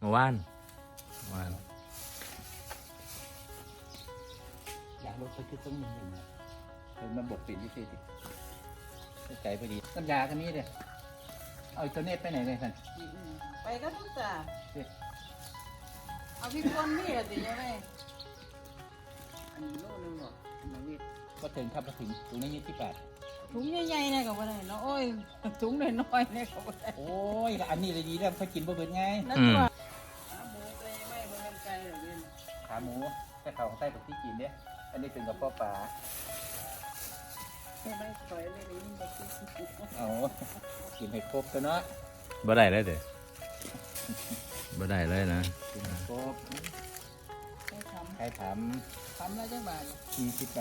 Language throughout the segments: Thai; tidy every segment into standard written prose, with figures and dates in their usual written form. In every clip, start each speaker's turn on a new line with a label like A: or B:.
A: เมื่อวาน
B: อยากลดไปคือต้องมีหนึ่งเป็นมันบดปิดที่สิใจพอดีน้ำยาคันนี้เด้เอาตัวเน็ตไปไหนเลยท่าน
C: ไปก็ทุกจ่าเอาพี่คนนี่อะติยังไงอันนี้โลนึงหรอมาวิทย์
B: ก็ถึงครับมาถึงตรงนี้28
C: ถุงใหญ่ๆเนี่ยก็บ่ได้เนาะโอ้ยถุงน้อยๆเนี่ยก็บ่ได้
B: โอ้ยอันนี้เลยดีแล้วเขากินบ่เบิดไง
C: นั่นตัวหมูไปไม่บ่แม่นไก่หรอกเว้ย
B: ขาหมูแต่เขาของใต้กับที่กินเนี่ยอันนี้เป็นกับพ่อปลา
C: ไม่ปล่อยเลยนี่บ่กิน
B: เอากินให้ครบตัวเนาะ
A: บ่ได้เลยเด้บ่ได้เลยนะ
B: กินให้ครบ
C: ให้ท
B: ใครถาม
C: ำแล้วจังบาท
B: 48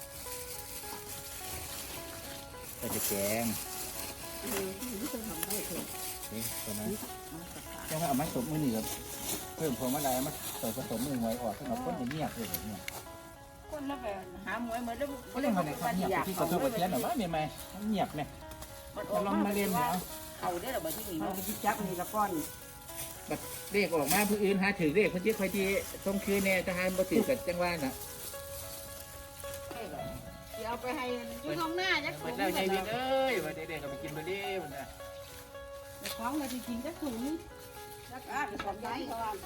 B: ก็จะแกง
C: ที่จะทำได้เถอะ
B: นี่ตัวนั้นแค่ว่าเอาไม้สมมือหนึ่งกับเพิ่มพวงมาลัยมาผสมมือหวยออกสำหรับคนอย่างเงียบเลยเนี่ย
C: คนละแบบหาหมวยเหมือนเดิม
B: เขาเรียกมาไหนครับเงียบที่กระทบกระเทียนหรือว่าเมียไหมเงียบเนี่ยจะลองมาเรียนแล้ว
C: เอาได้หรอบ่ที่นี่
D: มัน
C: เนาะ
D: ไปจับนี่ละก้อน
B: แบบเรียกออกมาผู้อื่นหาถือเรียกคนที่คอยที่ตรงคืนเนี่ยจะหาบ่ถือกับจังหวะน่ะ
C: สิเอาไปให้อยู่ข้างหน้าจัก
B: เหมือนเราใจวินเอ้ยวันเด็กๆก็ไปกินเบอร์ดี้มันนะ
C: ของก็สิกินจักถุง
D: แล้วก็ไปสอนย้ายเขาว่า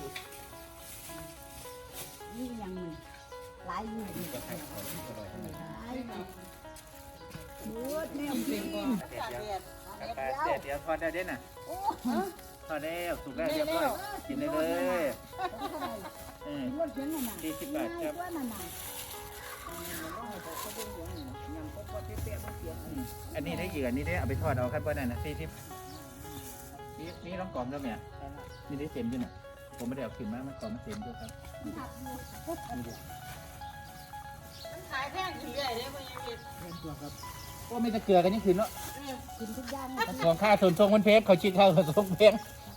D: นี่ยังมีหลายอยู่นี่
B: ก็ให้ของที่อร่อยทั้งนั้น
D: หลายอยู่พูดแนวกิน
C: ตากแดด
B: เดี๋ยวทอดได้เด้น่ะ
D: โอ้
B: ทอดแล้วสุกแล้วเรียบร้อยกินได้เลยเออ
D: รถเข็นน่ะนะ
B: 40 บาทครับ
D: ว่านั่นน่ะ
B: อันนี้ได้อีกอันนี้ได้เอาไปทอดเอาครับว่านั่นนะ40นี่ลองกล่อมแล้วเนี่ยนี่ได้เต็มด้วยน่ะผมไม่ได้เอาขึ้นมามันกล่อมมันเต็มด้วยครับนี่ดิ
C: มันขายแพงขึ้นเรื่อยเด้บ่ยังมี
B: ก็ไม่ตะเกียกันนี่คืนเนาะ
D: กินทุกอย่าง
B: ของค่าส่วนทรงมันเพชรเขาคิดค่าส่วนทรงเพชร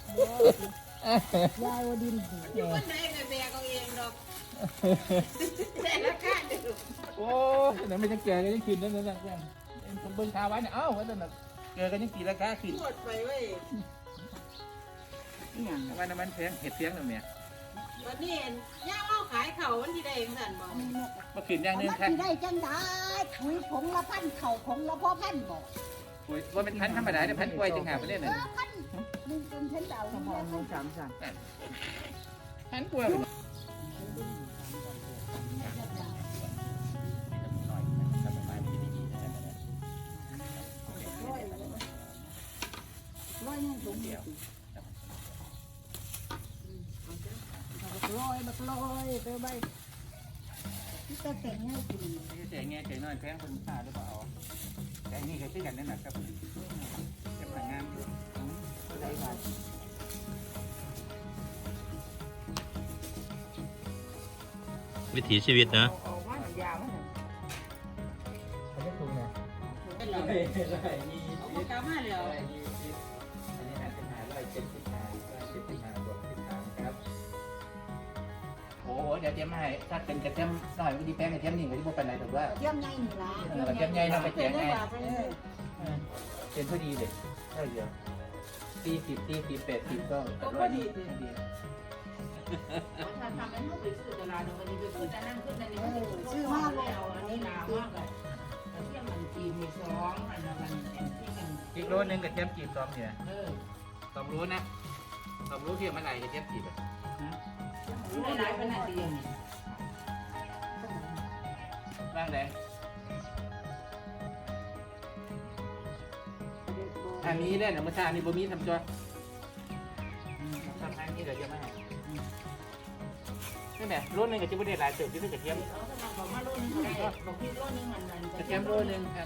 D: ยายวดิน
C: อยู่คนใดก็แบกเอาเองดอกแต่ราคาเด้อ
B: โอ้ยนั่นไม่ตะเกียกันนี่คืนนั่นนั่นนั่นผมเบิ่งข่าวไว้เนี่ยเอ้าว่าแต่น่ะเกลือกันนี่กี่ราคาขึ้น
C: ปวดไปเว้ย
D: นี่ยัง
B: ว่าน้ำมันแพงเห็ดเสียงหรือเนี่ย
C: วันนี้ย่าเล่าขายเขาวันที่ใดจังซั่นบ่
B: มาขึ้นอย่างหนึง
D: มัน
B: ค่ะ
D: สิได้จังได้คุยผงละพันเข่าผงละพ่อพันบอก
B: ปุ๋ยว่าเป็นพันธรรมดาเนี่ยพันกล้วยจึงหาไปเล่น
D: เอ
B: น่ะ
D: อพันมึงเป็นเช่นเดา
C: สมองลง3สั่น
B: พันกล้วย
D: ร้อยยังสูงอยู่บักลอยไปใบที่ตะเต็งให้กิน
B: เจ๋งไงเจ๋งน้อยแพงคนค่าหรือเปล่าแต่นี่ก็ซื้อกันนั่นแหละครับจะผ่านงานอยู่ได้บาท
A: วิถีชีวิตนะ
D: เอาว่าหนังยาวมั้ง
B: เขาจะถูกนะ
C: เป็นหรอเอาปากกามาแล้ว
B: อันนี้หาเป็นหา175บวก13ครับโอ้โหเดี๋ยวเตรียมมาให้ถ้าเป็นกระเทียมหน่อยก็ดีแป้งกระเทียมนี่ก็ที่พวกเป็นไรถูกว่า
D: เทียมไงนี่ล่ะ
B: กระเทียมใหญ่เราไปแจกไง
D: เออ
B: เป็นพอดีเลยเท่าเดียว40 80ก็
C: ก็พอดี
B: พอดี
C: ถ้าทำให้ลูกไปซื้อตลาดวันนี้ไปซื้อแต่นั่งขึ้นแต่นี่
D: ชื่อว่าอะไร
C: เอาอันนี้ลามากเลยเทียมมันจีมี2อันละมันที่กัน
B: อีกโลนึงกระเทียมจีบ2เนี่ย 2 รู้นะ2 รู้เทียมอะไรกระเทียมจีบอ่ะ
C: หลายๆเป็นอันเดียวนี่
B: บ้างเลยอันนี้เนี่ยนะเมื่อเช้านี้บ่มีทำจ้ะทำอันนี้เดี๋ยวจะมาให้นี่แหละโลนึงกับจิบเดหลายเติบที่เป็นกระเทียม
C: เอาสมัครบอกมาโลนึงก็ได้บอกพี่โลนึงมัน
B: กระเทียมโลนึงครับ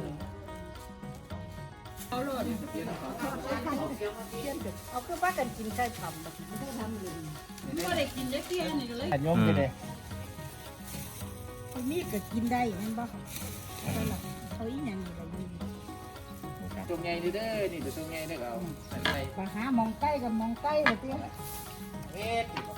C: เอาโลนึง
D: เอาคือว่ากันกินใช่ทำแบบไม่ได้ทำเลย
C: ก็ได้กินได้เตี้ยนี่ก็เลย
B: อันยมไปเลย
D: มีก็กินได้นั่นบ่เขาอีหยังนี่ละอยู่
B: ตรงไงนี่เด้อนี่ตัวไงเด้อเอาใส่
D: ไปหามองใกล้กับมองใกล้เลยเตี้ย
B: เม็ด